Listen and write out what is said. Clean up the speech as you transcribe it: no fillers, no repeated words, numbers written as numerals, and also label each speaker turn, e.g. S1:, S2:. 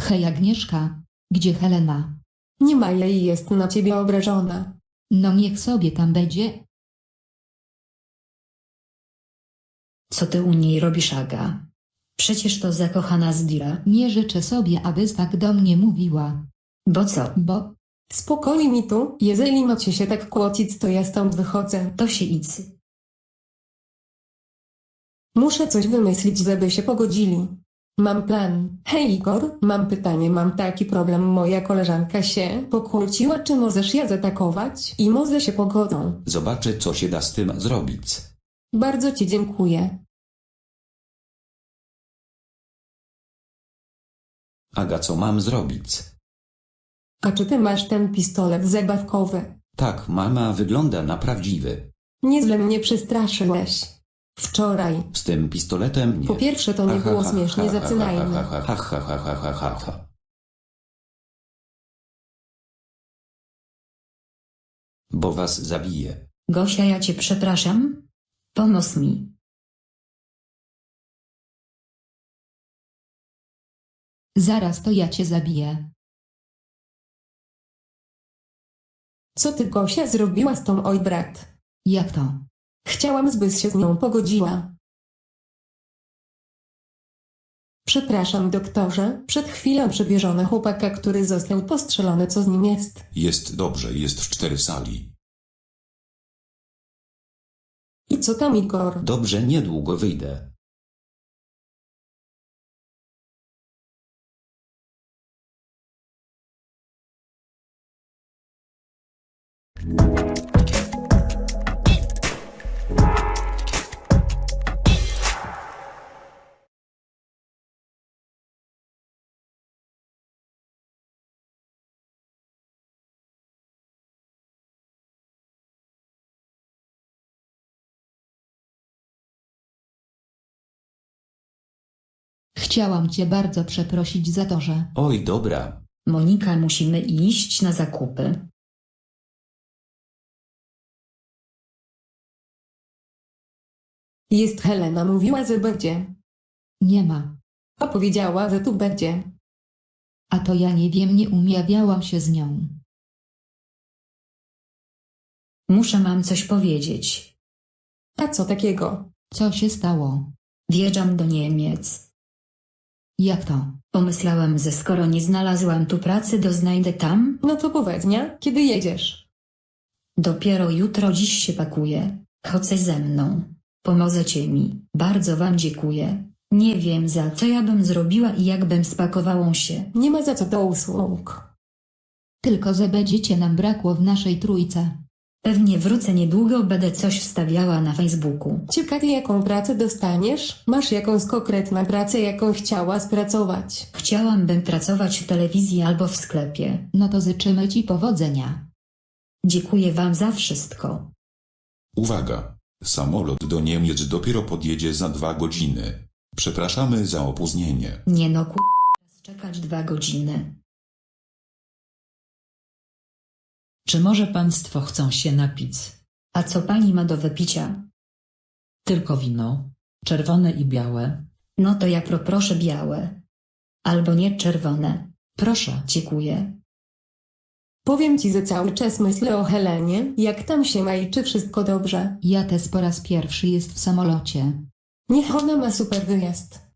S1: Hej Agnieszka, gdzie Helena?
S2: Nie ma jej, jest na ciebie obrażona.
S1: No niech sobie tam będzie.
S3: Co ty u niej robisz, Aga? Przecież to zakochana Zdira.
S1: Nie życzę sobie, abyś tak do mnie mówiła.
S3: Bo co?
S1: Bo
S2: Spokojnie mi tu, jeżeli macie się tak kłócić, to ja stąd wychodzę.
S3: To się idź.
S2: Muszę coś wymyślić, żeby się pogodzili. Mam plan. Hej Igor, mam pytanie, mam taki problem, moja koleżanka się pokłóciła, czy możesz ja zaatakować i może się pogodzą.
S4: Zobaczę, co się da z tym zrobić.
S2: Bardzo ci dziękuję.
S4: Aga, co mam zrobić?
S2: A czy ty masz ten pistolet zabawkowy?
S4: Tak, mama wygląda na prawdziwy.
S2: Nieźle mnie przestraszyłeś. Wczoraj.
S4: Z tym pistoletem nie.
S2: Po pierwsze to nie było śmiesznie, zaczynajmy.
S4: Bo was zabiję.
S3: Gosia, ja cię przepraszam. Pomóż mi.
S1: zaraz to ja cię zabiję.
S2: Co ty, Gosia, zrobiła z tą oj brat?
S1: Jak to?
S2: Chciałam, zbyś się z nią pogodziła. Przepraszam, doktorze, przed chwilą przywieżono chłopaka, który został postrzelony. Co z nim jest?
S5: Jest dobrze, jest w 4 sali.
S2: I co tam, Igor?
S4: Dobrze, niedługo wyjdę.
S1: Chciałam cię bardzo przeprosić za to, że...
S4: Oj, dobra.
S3: Monika, musimy iść na zakupy.
S2: Jest Helena, mówiła, że będzie.
S1: Nie ma.
S2: A powiedziała, że tu będzie.
S1: A to ja nie wiem, nie umawiałam się z nią.
S3: Mam coś powiedzieć.
S2: A co takiego?
S1: Co się stało?
S3: Wjeżdżam do Niemiec.
S1: Jak to?
S3: Pomyślałam, że skoro nie znalazłam tu pracy, to znajdę tam.
S2: No to powiedz mnie, kiedy jedziesz?
S3: Dopiero jutro, dziś się pakuję. Chodź ze mną. Pomożecie mi. Bardzo wam dziękuję. Nie wiem, za co ja bym zrobiła i jak bym spakowała się.
S2: Nie ma za co do usług.
S1: Tylko że będziecie nam brakło w naszej trójce.
S3: Pewnie wrócę niedługo, będę coś wstawiała na Facebooku.
S2: Ciekawie, jaką pracę dostaniesz? Masz jakąś konkretną pracę, jaką chciałaś pracować?
S3: Chciałabym pracować w telewizji albo w sklepie.
S1: No to życzymy ci powodzenia.
S3: Dziękuję wam za wszystko.
S5: Uwaga! Samolot do Niemiec dopiero podjedzie za 2 godziny. Przepraszamy za opóźnienie.
S3: Nie no, czekać 2 godziny.
S6: Czy może państwo chcą się napić?
S3: A co pani ma do wypicia?
S6: Tylko wino, czerwone i białe.
S3: No to ja proszę białe. Albo nie czerwone.
S6: Proszę.
S3: Dziękuję.
S2: Powiem ci, że cały czas myślę o Helenie, jak tam się ma i czy wszystko dobrze.
S1: Ja też po raz pierwszy jest w samolocie.
S2: Niech ona ma super wyjazd.